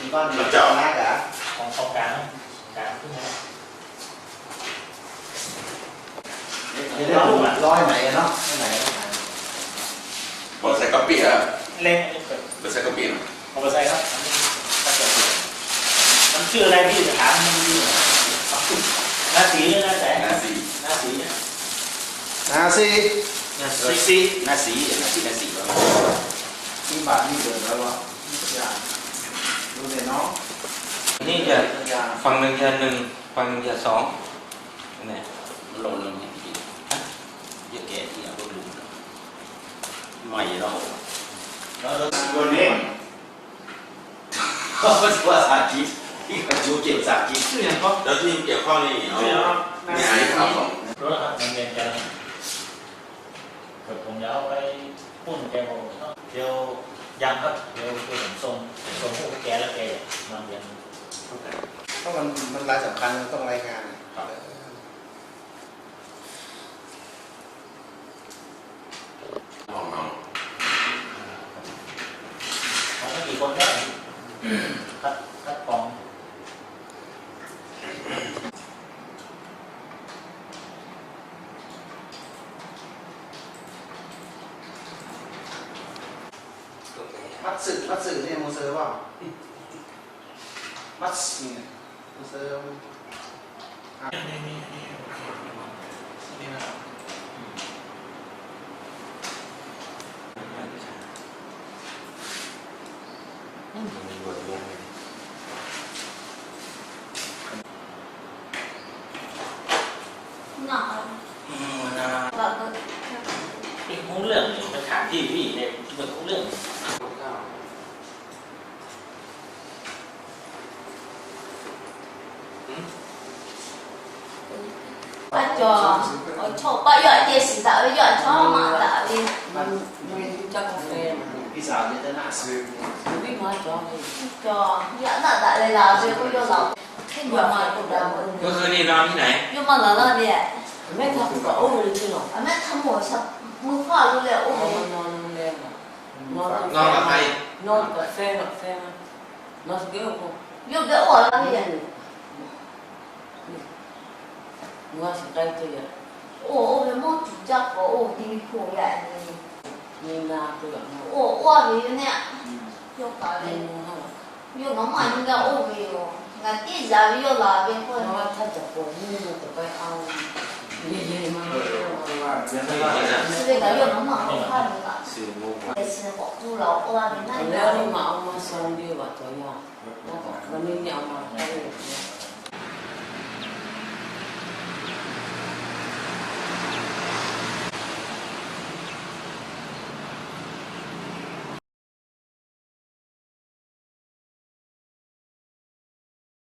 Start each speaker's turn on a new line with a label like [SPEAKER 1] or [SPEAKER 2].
[SPEAKER 1] con gì
[SPEAKER 2] chọn
[SPEAKER 1] lá cả
[SPEAKER 3] còn không cạn thứ hai
[SPEAKER 1] thế lôi mày nó cái này
[SPEAKER 2] Boleh saya kopi ya?
[SPEAKER 3] lên
[SPEAKER 2] Boleh saya kopi?
[SPEAKER 3] không có sai đó nó chưa lên đi thả mình đi na xí na sẽ
[SPEAKER 2] Nasi.
[SPEAKER 3] na xí
[SPEAKER 1] nasi
[SPEAKER 2] Nasi.
[SPEAKER 1] nhưng bạn đi được rồi không luôn để nó
[SPEAKER 4] นี่จะฝั่งหนึ่งจะหนึ่งฝั่งหนึ่งจะสองเนี่ย
[SPEAKER 2] Lộn lộn nhỉ? Giết kẻ thì là lộn lộn. Mày đó.
[SPEAKER 1] đó luôn đi không có chua xả chín khi phải chú kiểu xả chín chứ nhỉ không
[SPEAKER 2] Đó thì kiểu con này nó nghe ai khảo không?
[SPEAKER 3] รถมันเรียนกันผมจะเอาไปปุ้นแกโมเดี๋ยวยังครับเดี๋ยวคือผมส่งพวกแกแล้วแกมาเรียน
[SPEAKER 1] เพราะมันรายสำคัญต้องรายงาน
[SPEAKER 2] Không không.
[SPEAKER 3] เขาไม่กี่คนได้คัดกรอง
[SPEAKER 1] bắt sự thì một sơ vào bắt một sơ
[SPEAKER 5] nhỏ và
[SPEAKER 3] cái cũng lượng phải thả gì vì này mình cũng lượng
[SPEAKER 5] bắt cho cho bắt giờ điện视打giờ cho mà打đi
[SPEAKER 6] cho cà phê
[SPEAKER 1] đi dạo như thế nào
[SPEAKER 6] không biết nói cho
[SPEAKER 5] cho giờ là đã đây là rồi cũng vô lòng cái giờ mà cũng đã
[SPEAKER 4] เมื่อคืนนี่นอนที่ไหน
[SPEAKER 5] nhưng mà là đi
[SPEAKER 6] mấy thằng có ốm rồi chứ nào
[SPEAKER 5] à mẹ thăm một sắp mua khoa luôn liệu ôm
[SPEAKER 6] non đen non
[SPEAKER 4] นอนกับใคร
[SPEAKER 6] non cà phê nó kiểu không
[SPEAKER 5] vô cái ổ là gì
[SPEAKER 6] mua sẽ đây tôi vậy
[SPEAKER 5] ổ cái món chủ chắc có ổ đi khổ vậy
[SPEAKER 6] nhưng là tôi gặp nó
[SPEAKER 5] ổ qua vì nè vô cả đây
[SPEAKER 6] nhưng không
[SPEAKER 5] vô nó mà nhưng cái ổ vì là cái giá vô là bên thôi
[SPEAKER 6] nó thật chặt của nhưng mà tụi bay ao gì mà
[SPEAKER 5] bây giờ vô nó mà không khai được cả
[SPEAKER 4] สื่อมุก
[SPEAKER 5] để xin bỏ tu lẩu qua đến này
[SPEAKER 6] nếu mà ông mà xong đi vào tối nhà nó có nó nên nhau mà